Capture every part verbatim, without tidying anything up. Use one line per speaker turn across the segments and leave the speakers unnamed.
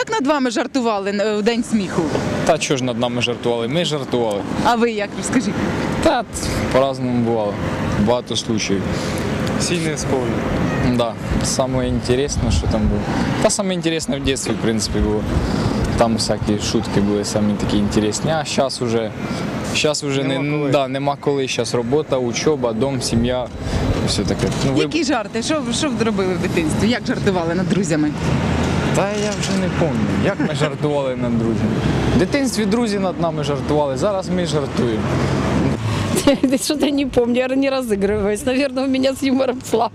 Як над вами жартували в День сміху?
Та чого ж над нами жартували? Ми жартували.
А ви як, розкажіть?
Та по-разному бувало. Багато случаїв.
Всі не вспомню.
Да. Саме інтересне, що там було. Та саме інтересне в дитинстві, в принципі, було. Там всякі шутки були самі такі інтересні. А зараз вже, зараз вже
Нема
не,
коли.
да, нема коли. Зараз робота, учоба, дом, сім'я. Все таке. Ну, ви...
Які жарти? Що, що ви робили в дитинстві? Як жартували над друзями?
Та я вже не пам'ятаю, як ми жартували над друзями. В дитинстві друзі над нами жартували, зараз ми жартуємо.
Что-то не помню, я не разыгрываюсь. Наверное, у меня с юмором слабо.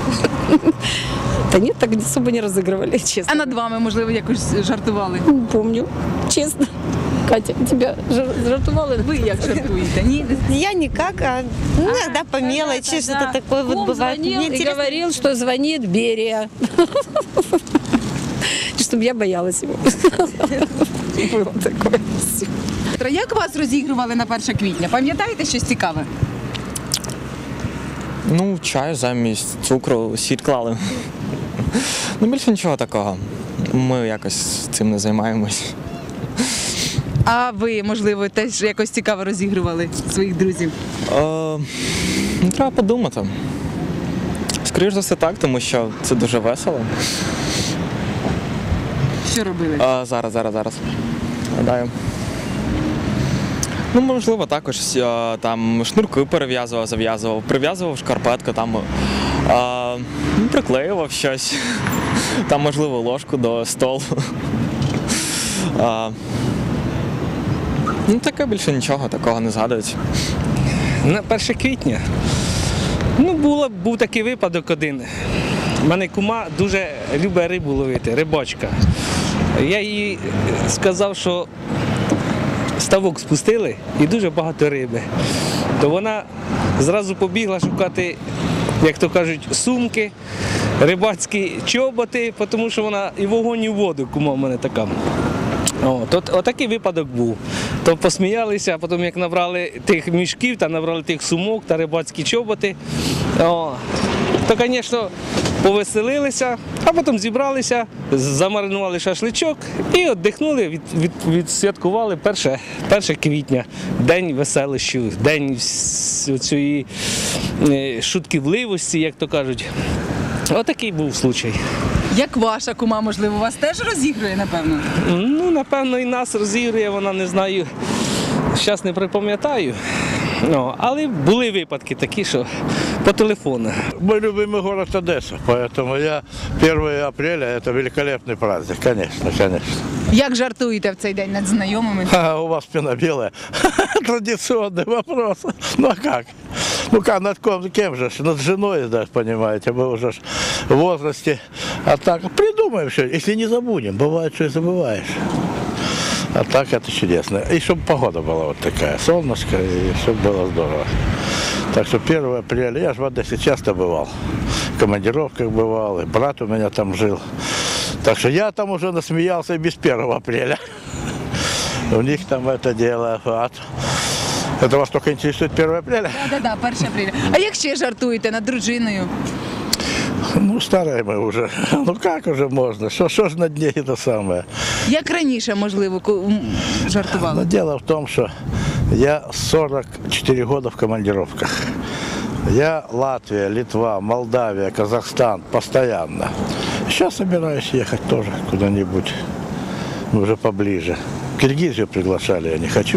Да нет, так особо не разыгрывали,
А
честно.
над вами, можливо, якось жартували?
Не помню, честно. Катя, тебя жар- жартовали?
Ви як жартуєте? Ні?
Я никак, а ну, иногда по мелочи что-то такое вот
Кум
бывает.
звонил
Мне
и
интересно.
говорил, что звонит Берия. Чтобы я боялась его. Было такое.
Як вас розігрували на перше квітня? Пам'ятаєте щось цікаве?
Ну, чаю замість цукру, сіль клали. Ну, більше нічого такого. Ми якось цим не займаємось.
А ви, можливо, теж якось цікаво розігрували своїх друзів?
Е, ну, треба подумати. Скоріше за все так, тому що це дуже весело.
Що робили?
А, зараз, зараз, зараз. Гадаю. Ну, можливо, також е, там шнурки перев'язував, зав'язував, прив'язував шкарпетку, там е, ну, приклеював щось. Там, можливо, ложку до столу. Е, ну, таке більше нічого, такого не згадується.
На перше квітня. Ну, було, був такий випадок один. У мене кума дуже любить рибу ловити, рибачка. Я їй сказав, що ставок спустили і дуже багато риби. То вона зразу побігла шукати, як то кажуть, сумки, рибацькі чоботи, тому що вона і вогонь, і в воду, кума в мене така. О, то, отакий випадок був. То посміялися, а потім як набрали тих мішків, та набрали тих сумок та рибацькі чоботи, о, то, звісно, повеселилися, а потім зібралися, замаринували шашличок і віддихнули, від, від, відсвяткували перше, перше квітня, день веселищів, день цієї шутківливості, як то кажуть. Отакий був случай.
Як ваша кума, можливо, вас теж розігрує, напевно?
Ну, напевно, і нас розігрує, вона, не знаю, зараз не припам'ятаю. Ну, але були випадки такі, що по телефону.
Мой любимый город Одесса, поэтому я первое апреля – это великолепный праздник, конечно, конечно.
Як жартуєте в цей день над знайомими?
А у вас спина белая. Традиционный вопрос. Ну а как? Ну как, над кем, кем же? Над женой, да, понимаете, мы уже ж в возрасте. А так, придумаем все, если не забудем, бывает, что и забываешь. А так это чудесно. И чтобы погода была вот такая, солнышко, и чтобы было здорово. Так что первое апреля, я же в Одессе часто бывал, в командировках бывал, и брат у меня там жил. Так что я там уже насмеялся и без первого апреля. У них там это дело. Это вас только интересует первое апреля?
Так, так, перше апреля. А як ще жартуєте над дружиною?
Ну, старые мы уже. Ну как уже можно? Что, что ж на дне это самое?
Як раніше, можливо, ку- м,
Но
жартували?
дело в том, что я сорок четыре года в командировках. Я Латвия, Литва, Молдавия, Казахстан постоянно. Сейчас собираюсь ехать тоже куда-нибудь, уже поближе. Киргизию приглашали, я не хочу.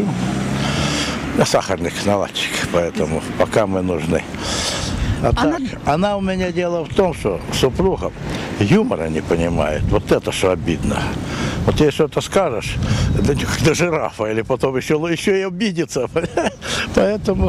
Я сахарник, наладчик, поэтому пока мы нужны. А так, она у меня, дело в том, что супруга юмора не понимает. Вот это что обидно. Вот ей что-то скажешь, до, до жирафа, или потом еще, еще и обидится. Поэтому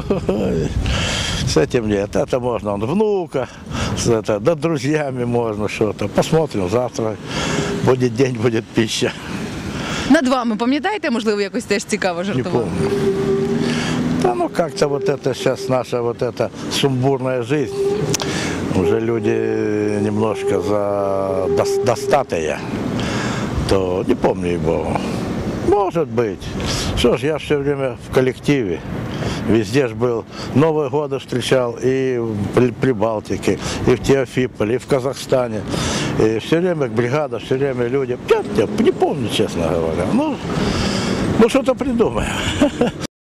с этим нет. Это можно, он внука, с это, да друзьями можно что-то. Посмотрим завтра. Будет день, будет пища.
Над вами, пам'ятаєте, можливо, якось теж цікаво
Не
жартували?
помню. Да ну как-то вот это сейчас наша вот эта сумбурная жизнь. Уже люди немножко за дос- достатые. То не помню его. Может быть. Что ж, я все время в коллективе. Везде ж был. Новые годы встречал и в При- Прибалтике, и в Теофиполе, и в Казахстане. И все время бригада, все время люди. Я, я не помню, честно говоря. Ну, ну что-то придумаем.